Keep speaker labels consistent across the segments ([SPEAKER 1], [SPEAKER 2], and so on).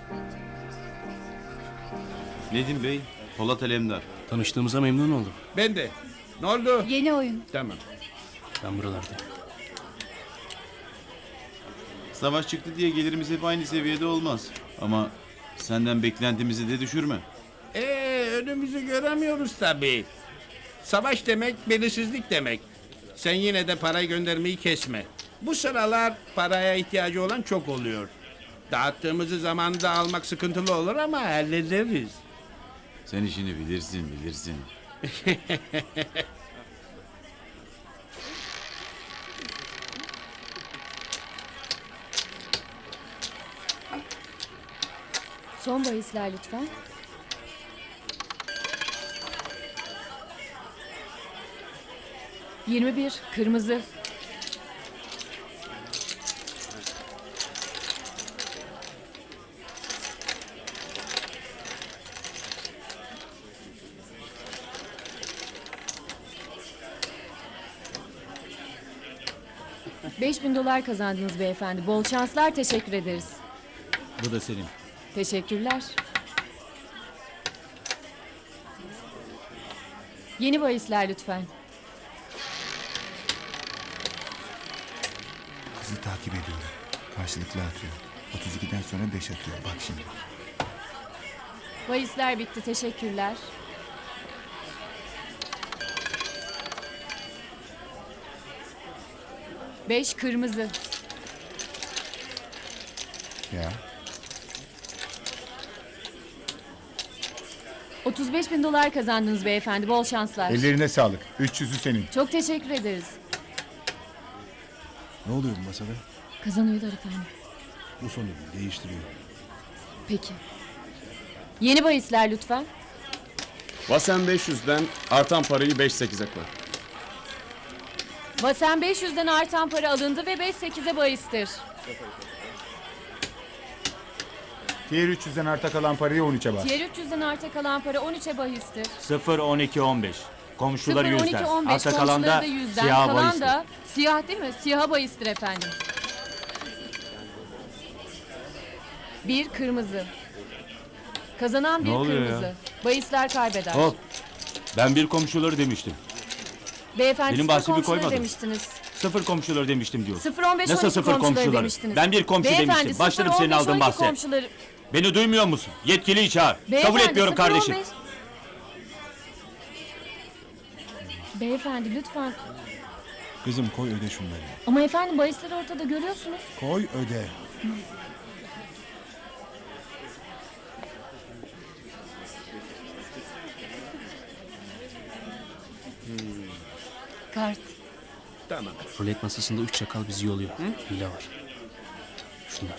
[SPEAKER 1] Nedim Bey, Polat Alemdar.
[SPEAKER 2] Tanıştığımıza memnun oldum.
[SPEAKER 3] Ben de. Ne oldu?
[SPEAKER 4] Yeni oyun.
[SPEAKER 3] Tamam.
[SPEAKER 2] Ben buralardayım.
[SPEAKER 1] Savaş çıktı diye gelirimiz hep aynı seviyede olmaz. Ama senden beklentimizi de düşürme.
[SPEAKER 3] Önümüzü göremiyoruz tabii. Savaş demek belirsizlik demek. Sen yine de parayı göndermeyi kesme. Bu sıralar paraya ihtiyacı olan çok oluyor. Dağıttığımızı zamanında almak sıkıntılı olur ama hallederiz.
[SPEAKER 1] Sen işini bilirsin.
[SPEAKER 4] Son bahisler lütfen. ...21 kırmızı. $5.000 kazandınız beyefendi. Bol şanslar, teşekkür ederiz.
[SPEAKER 2] Bu da senin.
[SPEAKER 4] Teşekkürler. Yeni bahisler lütfen.
[SPEAKER 5] Kızı takip ediyorum. Karşılıklı atıyor. 32'den sonra 5 atıyor. Bak şimdi.
[SPEAKER 4] Bahisler bitti, teşekkürler. Beş kırmızı.
[SPEAKER 5] Ya.
[SPEAKER 4] $35.000 kazandınız beyefendi. Bol şanslar.
[SPEAKER 5] Ellerine sağlık. 300'ü senin.
[SPEAKER 4] Çok teşekkür ederiz.
[SPEAKER 6] Ne oluyor bu masada?
[SPEAKER 4] Kazanıyorlar efendim.
[SPEAKER 6] Bu son ürün değiştiriyor.
[SPEAKER 4] Peki. Yeni bahisler lütfen.
[SPEAKER 7] Vasen 500'den artan parayı 5-8'e koy.
[SPEAKER 4] Vasen 500'den artan para alındı ve 5-8'e bahistir.
[SPEAKER 5] Diğer 300'den arta kalan parayı 13'e bas.
[SPEAKER 4] Diğer 300'den arta kalan para 13'e bahistir.
[SPEAKER 8] 0-12-15. Komşuları
[SPEAKER 4] 0, 12,
[SPEAKER 8] yüzden.
[SPEAKER 4] 15
[SPEAKER 8] Arta kalan
[SPEAKER 4] komşuları
[SPEAKER 8] da
[SPEAKER 4] da yüzden.
[SPEAKER 8] siyah
[SPEAKER 4] Kalan
[SPEAKER 8] bahistir.
[SPEAKER 4] da siyah değil mi? Siyaha bahistir efendim. Bir kırmızı. Kazanan bir
[SPEAKER 8] oluyor
[SPEAKER 4] kırmızı.
[SPEAKER 8] ya?
[SPEAKER 4] Bahisler kaybeder.
[SPEAKER 8] Hop. Ben bir komşuları demiştim.
[SPEAKER 4] Beyefendi
[SPEAKER 8] Benim
[SPEAKER 4] sıfır
[SPEAKER 8] bahsimi
[SPEAKER 4] komşuları
[SPEAKER 8] koymadın.
[SPEAKER 4] demiştiniz.
[SPEAKER 8] 0 komşuları demiştim diyor.
[SPEAKER 4] 0-15
[SPEAKER 8] Nasıl
[SPEAKER 4] 12
[SPEAKER 8] sıfır
[SPEAKER 4] komşuları
[SPEAKER 8] komşuları?
[SPEAKER 4] demiştiniz.
[SPEAKER 8] Ben bir komşu
[SPEAKER 4] Beyefendi,
[SPEAKER 8] demiştim. Başlarım
[SPEAKER 4] 0-15,
[SPEAKER 8] senin aldığın
[SPEAKER 4] 12
[SPEAKER 8] bahse.
[SPEAKER 4] komşuları...
[SPEAKER 8] Beni duymuyor musun? Yetkiliyi çağır. Kabul
[SPEAKER 4] Beyefendi,
[SPEAKER 8] etmiyorum
[SPEAKER 4] 0-15
[SPEAKER 8] kardeşim.
[SPEAKER 4] Beyefendi lütfen.
[SPEAKER 6] Kızım koy öde şunları.
[SPEAKER 4] Ama efendim bahisleri ortada görüyorsunuz.
[SPEAKER 6] Koy öde.
[SPEAKER 4] Kart.
[SPEAKER 3] Tamam.
[SPEAKER 2] Rulet masasında 3 çakal bizi yoluyor. Hile var. Şunlar.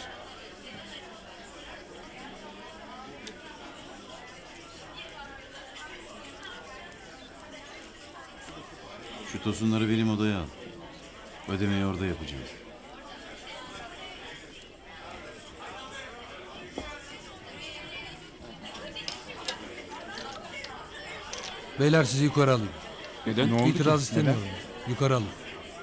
[SPEAKER 1] Şu tosunları benim odaya al. Ödemeyi orada yapacağım.
[SPEAKER 9] Beyler sizi yukarı alayım.
[SPEAKER 7] Neden?
[SPEAKER 5] Ne oldu
[SPEAKER 9] İtiraz
[SPEAKER 5] ki?
[SPEAKER 9] istemiyorum. Yukarı alın.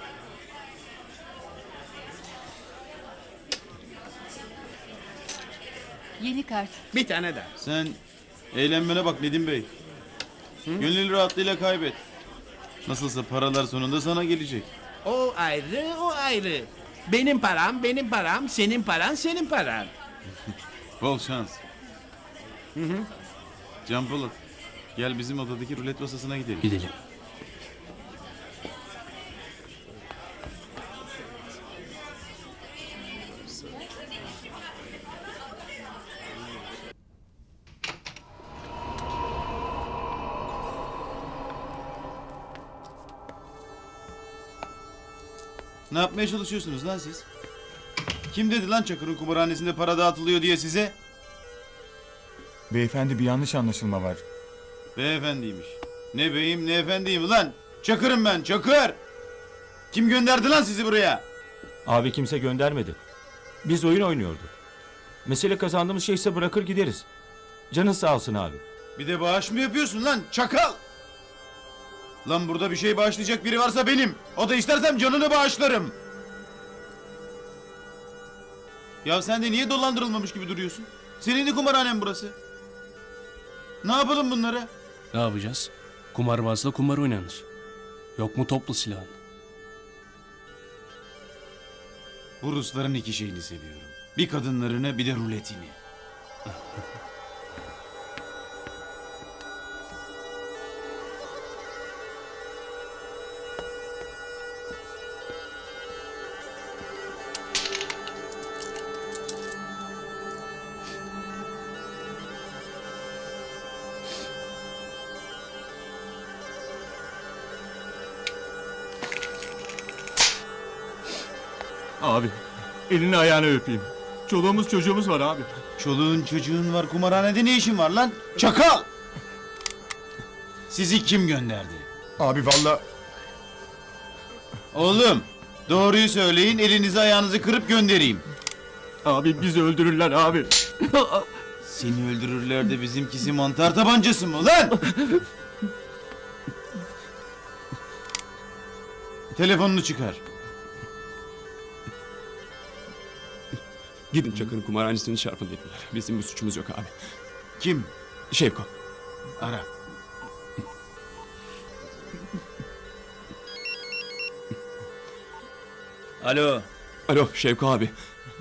[SPEAKER 4] Yeni kart.
[SPEAKER 3] Bir tane daha.
[SPEAKER 1] Sen eğlenmene bak Nedim Bey. Gönül rahatlığıyla kaybet. Nasılsa paralar sonunda sana gelecek.
[SPEAKER 3] O ayrı, o ayrı. Benim param, senin paran, senin paran.
[SPEAKER 1] Bol şans. Can Polat, gel bizim odadaki rulet masasına gidelim.
[SPEAKER 2] Gidelim.
[SPEAKER 1] Ne yapmaya çalışıyorsunuz lan siz? Kim dedi lan Çakır'ın kumarhanesinde para dağıtılıyor diye size?
[SPEAKER 5] Beyefendi bir yanlış anlaşılma var.
[SPEAKER 1] Beyefendiymiş. Ne beyim ne efendiyim lan? Çakır'ım ben, Çakır! Kim gönderdi lan sizi buraya?
[SPEAKER 8] Abi kimse göndermedi. Biz oyun oynuyorduk. Mesele kazandığımız şeyse bırakır gideriz. Canın sağ olsun abi.
[SPEAKER 1] Bir de bağış mı yapıyorsun lan çakal? Lan burada bir şey bağışlayacak biri varsa benim. O da istersem canını bağışlarım. Ya sen de niye dolandırılmamış gibi duruyorsun? Senin de kumarhanen burası. Ne yapalım bunlara?
[SPEAKER 2] Ne yapacağız? Kumarbazla kumar oynanır. Yok mu toplu silahın?
[SPEAKER 1] Bu Rusların iki şeyini seviyorum. Bir kadınlarını bir de ruletini.
[SPEAKER 7] Abi elini ayağını öpeyim. Çoluğumuz çocuğumuz var abi.
[SPEAKER 1] Çoluğun çocuğun var, kumarhanede ne işin var lan? Çakal! Sizi kim gönderdi?
[SPEAKER 5] Abi valla
[SPEAKER 1] Oğlum, doğruyu söyleyin, elinizi ayağınızı kırıp göndereyim.
[SPEAKER 7] Abi bizi öldürürler abi.
[SPEAKER 1] Seni öldürürler de bizimkisi mantar tabancası mı lan? Telefonunu çıkar.
[SPEAKER 7] Gidin Çakır'ın kumarhanesini çarpın dediler. Bizim bir suçumuz yok abi.
[SPEAKER 1] Kim?
[SPEAKER 7] Şevko.
[SPEAKER 1] Ara.
[SPEAKER 2] Alo.
[SPEAKER 7] Alo Şevko abi.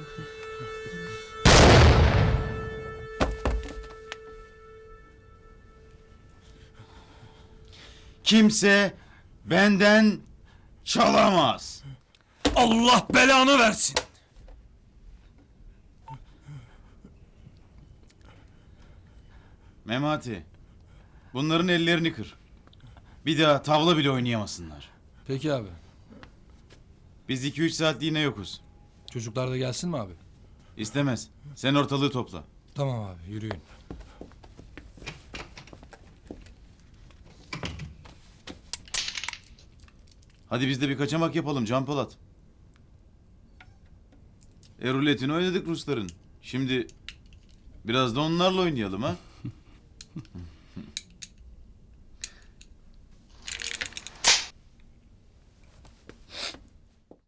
[SPEAKER 1] Kimse benden çalamaz.
[SPEAKER 2] Allah belanı versin.
[SPEAKER 1] Memati, bunların ellerini kır. Bir daha tavla bile oynayamasınlar.
[SPEAKER 9] Peki abi.
[SPEAKER 1] Biz 2-3 saatliğine yokuz.
[SPEAKER 9] Çocuklar da gelsin mi abi?
[SPEAKER 1] İstemez. Sen ortalığı topla.
[SPEAKER 9] Tamam abi yürüyün.
[SPEAKER 1] Hadi biz de bir kaçamak yapalım Can Polat. Ruletini oynadık Rusların. Şimdi biraz da onlarla oynayalım ha.